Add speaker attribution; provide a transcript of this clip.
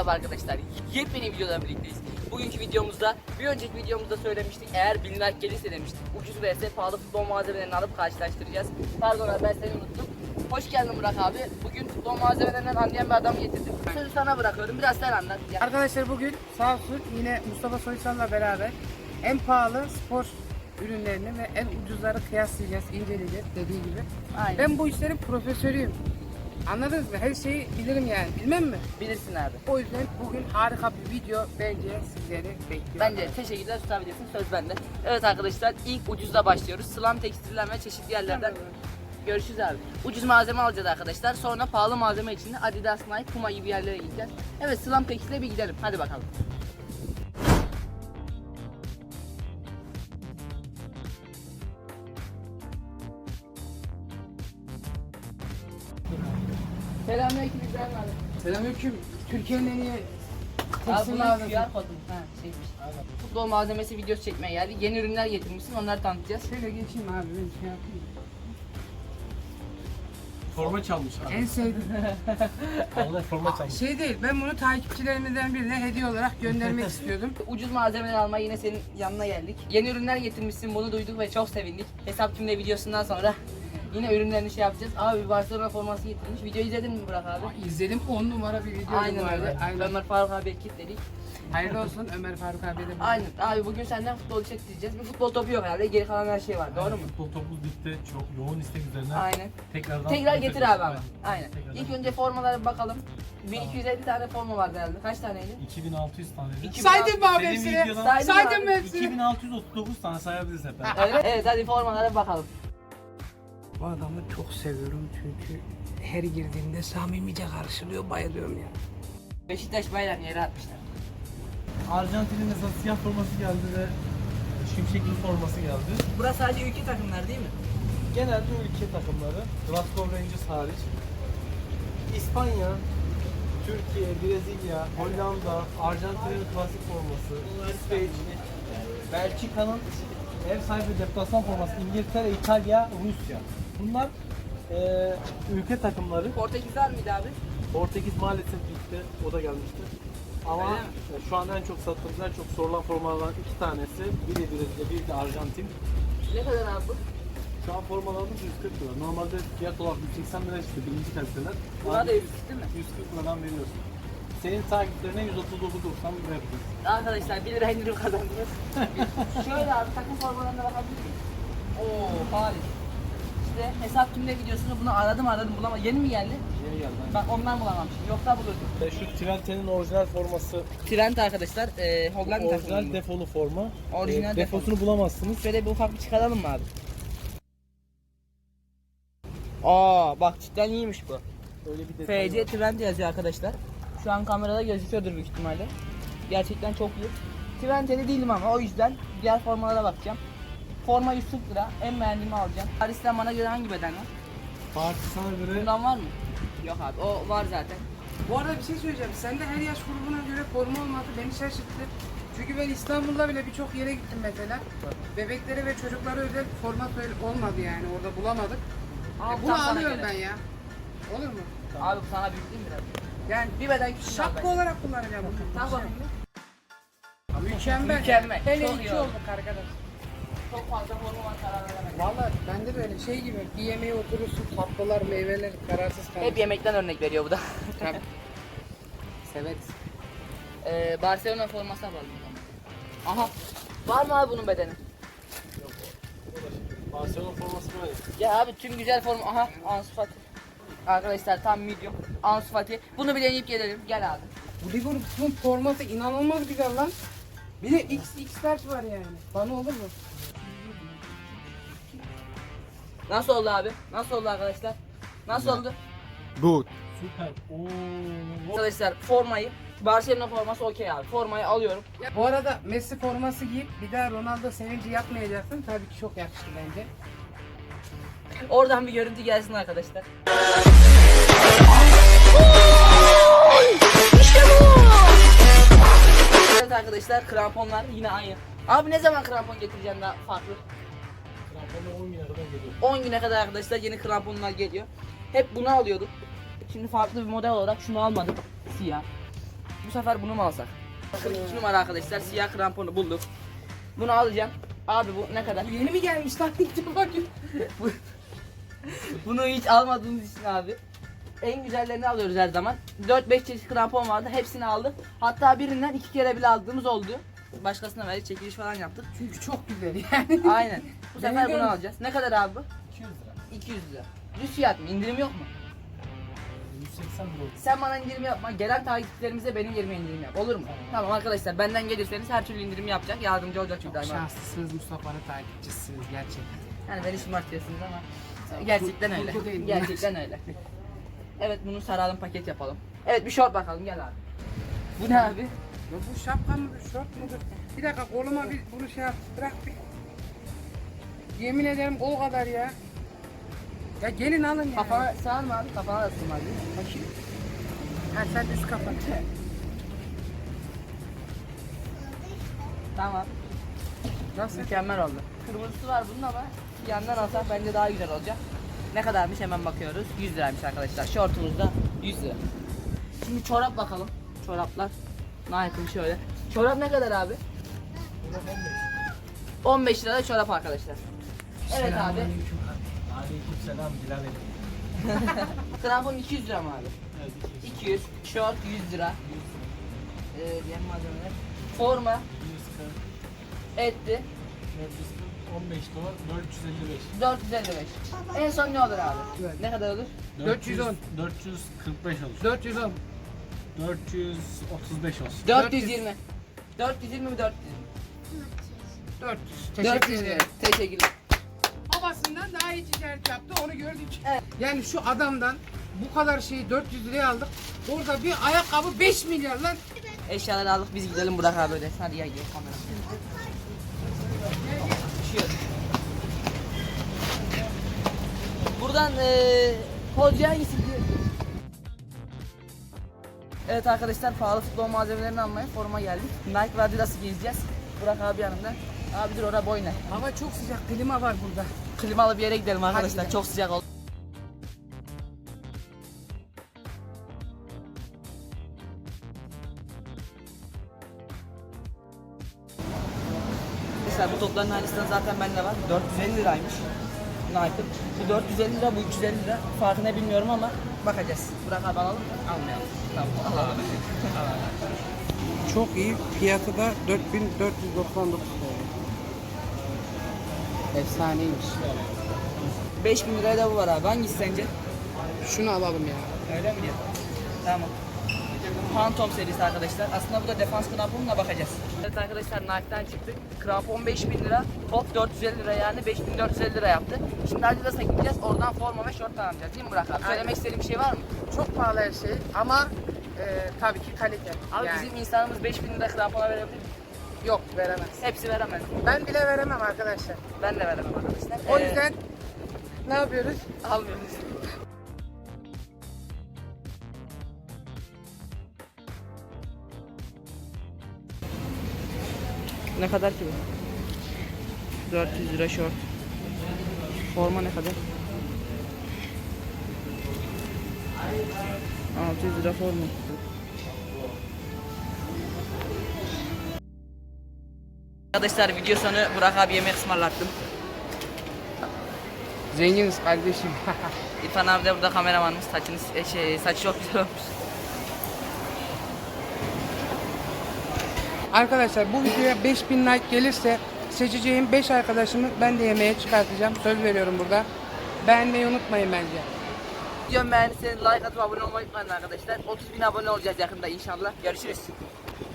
Speaker 1: Merhaba arkadaşlar, yepyeni videodan birlikteyiz. Bugünkü videomuzda, bir önceki videomuzda söylemiştik, eğer 1000 like gelirse demiştik. Ucuz vs pahalı futbol malzemelerini alıp karşılaştıracağız. Pardon abi, ben seni unuttum. Hoş geldin Burak abi. Bugün futbol malzemelerinden anlayan bir adam getirdim. Sözü sana bırakıyorum, biraz sen anlat.
Speaker 2: Arkadaşlar bugün sağ olsun yine Mustafa Soysal'la beraber en pahalı spor ürünlerini ve en ucuzları kıyaslayacağız, inceleyeceğiz dediği gibi.
Speaker 1: Aynen.
Speaker 2: Ben bu işlerin profesörüyüm. Anladınız mı? Her şeyi bilirim yani. Bilmem mi?
Speaker 1: Bilirsin abi.
Speaker 2: O yüzden bugün harika bir video bence sizleri bekliyor.
Speaker 1: Bence teşekkürler, tutabilirsin, söz bende. Evet arkadaşlar, ilk ucuzla başlıyoruz. Slam tekstilden ve çeşitli yerlerden. Görüşürüz abi. Ucuz malzeme alacağız arkadaşlar. Sonra pahalı malzeme için de Adidas, Nike, Puma gibi yerlere gideceğiz. Evet, Slam Tekstil'e bir gidelim. Hadi bakalım. Selamünaleyküm İbrahim abi.
Speaker 2: Selamünaleyküm. Türkiye'nin en iyi
Speaker 1: Abi
Speaker 2: tekstil
Speaker 1: bunun
Speaker 2: mağazası.
Speaker 1: QR kodu. Ha, şeymiş. Futbol malzemesi videosu çekmeye geldi. Yeni ürünler getirmişsin, onları tanıtacağız.
Speaker 2: Şöyle geçeyim abi, ben şey yapayım.
Speaker 3: Forma çalmış abi.
Speaker 2: En sevdiğim
Speaker 3: Allah forma çalmış.
Speaker 2: şey değil, ben bunu takipçilerimizden birine hediye olarak göndermek istiyordum.
Speaker 1: Ucuz malzemeler almaya yine senin yanına geldik. Yeni ürünler getirmişsin, bunu duyduk ve çok sevindik. Hesap kimde videosundan sonra yine ürünlerini şey yapacağız. Abi bir Barcelona forması getirmiş. Videoyu izledin mi Burak abi?
Speaker 2: İzledim, 10 numara bir video.
Speaker 1: Aynen öyle.
Speaker 2: Aynen.
Speaker 1: Ömer Faruk abi kilitledik.
Speaker 2: Hayırlı olsun Ömer Faruk abiye de.
Speaker 1: Aynen. Abi bugün senden futbol çektireceğiz. Bir futbol topu yok herhalde. Geri kalan her şey var. Doğru mu?
Speaker 3: Futbol topumuz bitti. Çok yoğun istek üzerine.
Speaker 1: Aynen.
Speaker 3: Tekrardan
Speaker 1: Tekrar getir abi ama. Aynen.
Speaker 3: Tekrardan.
Speaker 1: İlk önce formalara bir bakalım. 1250 tane forma vardı herhalde. Kaç taneydi?
Speaker 3: 2600 tane.
Speaker 2: Saydın mı abi
Speaker 3: Senin
Speaker 2: hepsini?
Speaker 3: videodan-
Speaker 2: Saydın mı hepsini?
Speaker 3: 2639 tane sayabiliriz hep beraber.
Speaker 1: Evet. Evet, hadi formalara bir bakalım.
Speaker 2: Bu adamı çok seviyorum çünkü her girdiğimde samimice karşılıyor, bayılıyorum ya.
Speaker 1: Beşiktaş bayrağını yere atmışlar.
Speaker 3: Arjantin'in mesela siyah forması geldi ve şimşekli forması geldi.
Speaker 1: Burası sadece ülke takımlar değil mi?
Speaker 3: Genelde ülke takımları, Glasgow Rangers hariç. İspanya, Türkiye, Brezilya, Hollanda, Arjantin'in klasik forması, İsveç, Belçika'nın ev sahibi deplasman forması, İngiltere, İtalya, Rusya. Bunlar ülke takımları.
Speaker 1: Portekiz var mıydı abi?
Speaker 3: Portekiz maalesef gitti, o da gelmişti. Ama
Speaker 1: Öyle mi?
Speaker 3: şu an en çok sattığımız, en çok sorulan formalardan iki tanesi, biri Brezilya, biri de Arjantin.
Speaker 1: Ne kadar abi bu?
Speaker 3: Şu an formalarımız 140 lira. Normalde fiyat olarak 180 lira işte birinci kaliteler.
Speaker 1: Buna da yüz değil mi?
Speaker 3: 140 liradan veriyorsun. Senin takipçilerine 139.90 lira yapıyoruz.
Speaker 1: Arkadaşlar 1 lira indirim kazandınız. Şöyle abi, takım formalarına bakabilir miyim? Oo, Paris. İşte hesap kimde videosunu bunu aradım bulamadım. Yeni mi geldi?
Speaker 3: Yeni geldi.
Speaker 1: Bak ondan bulamamışım. Yoksa bulurdum.
Speaker 3: Ve şu Twente'nin orijinal forması,
Speaker 1: Trend arkadaşlar, Hollanda
Speaker 3: orijinal
Speaker 1: takımı.
Speaker 3: defolu forma.
Speaker 1: Orijinal
Speaker 3: Defosunu bulamazsınız.
Speaker 1: Şöyle bir ufak bir çıkaralım mı abi? Aa bak, cidden iyiymiş bu.
Speaker 3: Öyle bir detay
Speaker 1: FC
Speaker 3: var.
Speaker 1: Trend yazıyor arkadaşlar. Şu an kamerada gözüküyordur büyük ihtimalle. Gerçekten çok iyi. Trend'de değilim ama o yüzden diğer formalara bakacağım. Forma 140 lira. En beğendiğimi alacağım. Paris'ten bana göre hangi beden var?
Speaker 3: Parti sana göre
Speaker 1: Bundan var mı? Yok abi, o var zaten.
Speaker 2: Bu arada bir şey söyleyeceğim. Sende her yaş grubuna göre forma olması beni şaşırttı. Çünkü ben İstanbul'da bile birçok yere gittim mesela. Bebeklere ve çocuklara özel forma olmadı yani, orada bulamadık.
Speaker 1: Abi,
Speaker 2: Bunu
Speaker 1: tam sana
Speaker 2: alıyorum
Speaker 1: göre.
Speaker 2: ben ya. Olur mu?
Speaker 1: Abi bu sana büyük değil mi biraz?
Speaker 2: Yani
Speaker 1: Bir beden küçük.
Speaker 2: şapka olarak kullanacağım bunu.
Speaker 1: Tamam bakayım.
Speaker 2: Mükemmel.
Speaker 1: Mükemmel.
Speaker 2: Hele
Speaker 1: Çok
Speaker 2: iki
Speaker 1: iyi oldu.
Speaker 2: olduk arkadaş.
Speaker 1: Çok fazla forma var, karar veremedim.
Speaker 2: Vallahi bende de öyle şey gibi, bir yemeğe oturursun, tatlılar, meyveler, kararsız kalırsın.
Speaker 1: Hep yemekten örnek veriyor bu da.
Speaker 2: Tabii. Severiz.
Speaker 1: Barcelona forması alalım. Aha. Var mı abi bunun bedeni?
Speaker 3: Barcelona forması böyle.
Speaker 1: Ya abi tüm güzel forma. Aha, Ansu Fati. Arkadaşlar tam medium. Ansu Fati. Bunu bir deneyip gelelim. Gel abi.
Speaker 2: Bu Liverpool'un formatı inanılmaz güzel lan. Bir de XX large var yani. Bana olur mu?
Speaker 1: Nasıl oldu abi? Nasıl oldu arkadaşlar? Nasıl oldu?
Speaker 3: Good. Süper. Oo.
Speaker 1: Arkadaşlar formayı, Barcelona forması okey abi. Formayı alıyorum.
Speaker 2: Bu arada Messi forması giyip bir daha Ronaldo sevinci yapmayacaksın. Tabii ki çok yakıştı bence.
Speaker 1: Oradan bir görüntü gelsin arkadaşlar. Evet arkadaşlar, kramponlar yine aynı. Abi ne zaman krampon getireceğim daha farklı?
Speaker 3: Kramponu 10 güne kadar geliyor.
Speaker 1: 10 güne kadar arkadaşlar yeni kramponlar geliyor. Hep bunu alıyorduk. Şimdi farklı bir model olarak şunu almadım. Siyah. Bu sefer bunu mu alsak? 42 numara arkadaşlar, siyah kramponu bulduk. Bunu alacağım. Abi bu ne kadar?
Speaker 2: Yeni mi gelmiş lan ilk defa
Speaker 1: Bunu hiç almadığımız için abi. En güzellerini alıyoruz her zaman. 4-5 çeşit krampon vardı. Hepsini aldık. Hatta birinden 2 kere bile aldığımız oldu. Başkasına verdik, çekiliş falan yaptık.
Speaker 2: Çünkü çok güzel yani.
Speaker 1: Aynen. Bu sefer bunu
Speaker 2: Beğeniyorum.
Speaker 1: alacağız. Ne kadar abi bu?
Speaker 3: 200 lira.
Speaker 1: 200 lira. Düz fiyat mı? İndirim yok mu?
Speaker 3: 180 lira oldu.
Speaker 1: Sen bana indirim yapma. Gelen takipçilerimize benim yerime indirim yap. Olur mu? Tamam arkadaşlar, benden gelirseniz her türlü indirim yapacak. Yardımcı olacak çünkü daima.
Speaker 2: Şanslısınız, Mustafa'nın takipçisiniz gerçekten.
Speaker 1: Yani beni şımartıyorsunuz ama gerçekten öyle.
Speaker 2: Kurgu değil mi?
Speaker 1: Gerçekten öyle. Evet, bunu saralım, paket yapalım. Evet, bir şort bakalım, gel abi. Bu ne abi?
Speaker 2: Ya bu şapka mıdır, şort mudur? Bir dakika koluma bir bunu şey yap, bırak bir. Yemin ederim o kadar ya. Ya gelin alın ya.
Speaker 1: Kafana sığar mı abi? Kafana da sığmaz değil mi?
Speaker 2: Bakayım. Ha sen üst kapat.
Speaker 1: Tamam.
Speaker 2: Nasıl?
Speaker 1: Mükemmel oldu. Kırmızısı var bunun ama yandan alsak bence daha güzel olacak. Ne kadarmış hemen bakıyoruz. 100 liraymış arkadaşlar. Şortumuz da 100 lira. Şimdi çorap bakalım. Çoraplar. Nike'ın şöyle. Çorap ne kadar abi? 15 lirada çorap arkadaşlar. Evet abi.
Speaker 3: Aleykümselam Bilal Emin.
Speaker 1: Krampon 200 lira mı abi?
Speaker 3: Evet, 200.
Speaker 1: 200. Şort 100 lira. Diğer malzemeler. Forma
Speaker 3: 140.
Speaker 1: etti.
Speaker 3: 440. 15 dolar. 455.
Speaker 1: 455. En son ne olur abi?
Speaker 2: Evet.
Speaker 1: Ne kadar olur?
Speaker 2: 410.
Speaker 3: 445 olur.
Speaker 2: 410.
Speaker 3: 435 olsun.
Speaker 1: 420. 420 mi 400?
Speaker 2: 400. Teşekkür
Speaker 1: 400 lira.
Speaker 2: ederim.
Speaker 1: Teşekkürler.
Speaker 2: Babasından daha iyi ticaret yaptı, onu gördük.
Speaker 1: Evet.
Speaker 2: Yani şu adamdan bu kadar şeyi 400 liraya aldık. Orada bir ayakkabı 5 milyar lan.
Speaker 1: Eşyaları aldık, biz gidelim Burak abi öyle. Hadi gel kamera. Düşüyor. Buradan Kolcu hangisi diyor? Evet arkadaşlar, pahalı futbol malzemelerini almaya foruma geldik. Nike ve Adidas'ı gezeceğiz. Burak abi yanımda. Abi dur, orada boyuna.
Speaker 2: Hava çok sıcak, klima var burada.
Speaker 1: Klimalı bir yere gidelim arkadaşlar.
Speaker 2: gidelim.
Speaker 1: Çok sıcak oldu. Mesela bu topların aynısından zaten bende var. 450 liraymış. Nike'ın. Bu 450 lira, bu 350 lira. Farkı ne bilmiyorum ama bakacağız. Burak abi alalım mı? Almayalım. Tamam, alalım.
Speaker 2: Çok iyi, fiyatı da 4499 TL. Efsaneymiş.
Speaker 1: 5000 liraya da bu var abi. Hangisi sence?
Speaker 2: Şunu alalım ya.
Speaker 1: Öyle mi diyor? Tamam. Phantom serisi arkadaşlar. Aslında bu da defans kramponuna bakacağız. Evet arkadaşlar, Nike'den çıktık. Krampon 5000 lira, top 450 lira, yani 5450 lira yaptı. Şimdi Adidas'a gideceğiz. Oradan forma ve şort alacağız değil mi Burak abi? Söylemek istediğin bir şey var mı?
Speaker 2: Çok pahalı her şey ama tabii ki kalite.
Speaker 1: Abi
Speaker 2: yani.
Speaker 1: bizim insanımız 5000 lira krampona verebilir mi?
Speaker 2: Yok, veremez.
Speaker 1: Hepsi veremez.
Speaker 2: Ben bile veremem arkadaşlar.
Speaker 1: Ben de veremem arkadaşlar.
Speaker 2: O yüzden ne yapıyoruz?
Speaker 1: almıyoruz. Ne kadar ki bu? 400 lira şort. Forma ne kadar? 600 lira forma. Arkadaşlar, video sonu Burak abi yemek ısmarlattım.
Speaker 2: Zenginiz kardeşim.
Speaker 1: İrfan abi de burada kameramanımız. Saçı çok güzel olmuş.
Speaker 2: Arkadaşlar bu videoya 5000 like gelirse seçeceğim 5 arkadaşımı ben de yemeğe çıkartacağım. Söz veriyorum burada. Beğenmeyi unutmayın bence.
Speaker 1: Videomu beğendiyseniz like atıp abone olmayı unutmayın arkadaşlar. 30.000 abone olacağız yakında inşallah. Görüşürüz.